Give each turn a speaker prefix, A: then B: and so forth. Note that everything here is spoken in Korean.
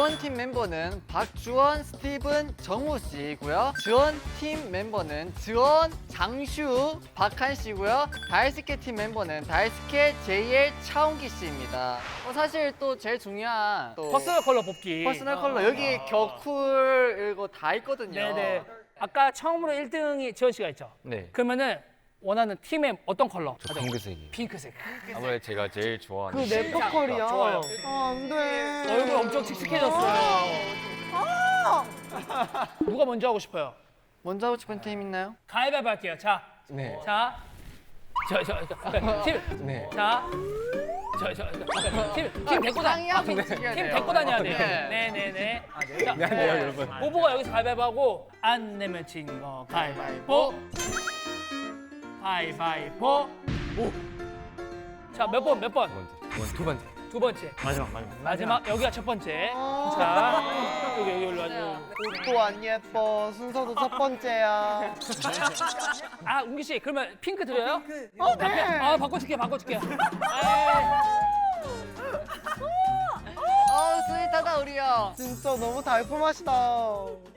A: 지원팀 멤버는 박주원, 스티븐, 정우 씨고요. 지원팀 멤버는 지원, 장슈, 박한 씨고요. 다이스케 팀 멤버는 다이스케, JL, 차홍기 씨입니다. 사실 또 제일 중요한 또
B: 퍼스널 컬러 뽑기.
A: 퍼스널 컬러 여기 격쿨 이거 다 있거든요.
B: 네네. 아까 처음으로 1등이 지원 씨가 있죠?
C: 네.
B: 그러면은 원하는 팀의 어떤 컬러?
C: 저 핑크색이.
B: 핑크색.
C: 아무래도 제가 제일 좋아하는.
D: 그 래퍼컬이야.
B: 좋아요.
D: 안 돼.
B: 얼굴 엄청 칙칙해졌어요. 누가 먼저 하고 싶어요?
A: 먼저 하고 싶은 팀 있나요?
B: 가위바위보 할게요. 자,
C: 네.
B: 자, 팀,
C: 네.
B: 자, 팀 데리고 다녀. 팀 데리고 다녀야 돼요.
A: 네.
B: 네네네. 자,
C: 미안해요, 여러분.
B: 오보가 여기서 가위바위보 하고 안 내면 진 거 가위바위보. 가위바위보. 오. 자, 몇 번?
C: 두 번째.
B: 두 번째. 마지막. 여기가 첫 번째. 자, 여기 올라 와요.
D: 옷도 안 예뻐. 순서도 첫 번째야.
B: 아, 웅기 씨, 그러면 핑크 드려요?
D: 네.
B: 아, 바꿔줄게요.
A: 스윗하다 우리 형.
D: 진짜 너무 달콤하시다.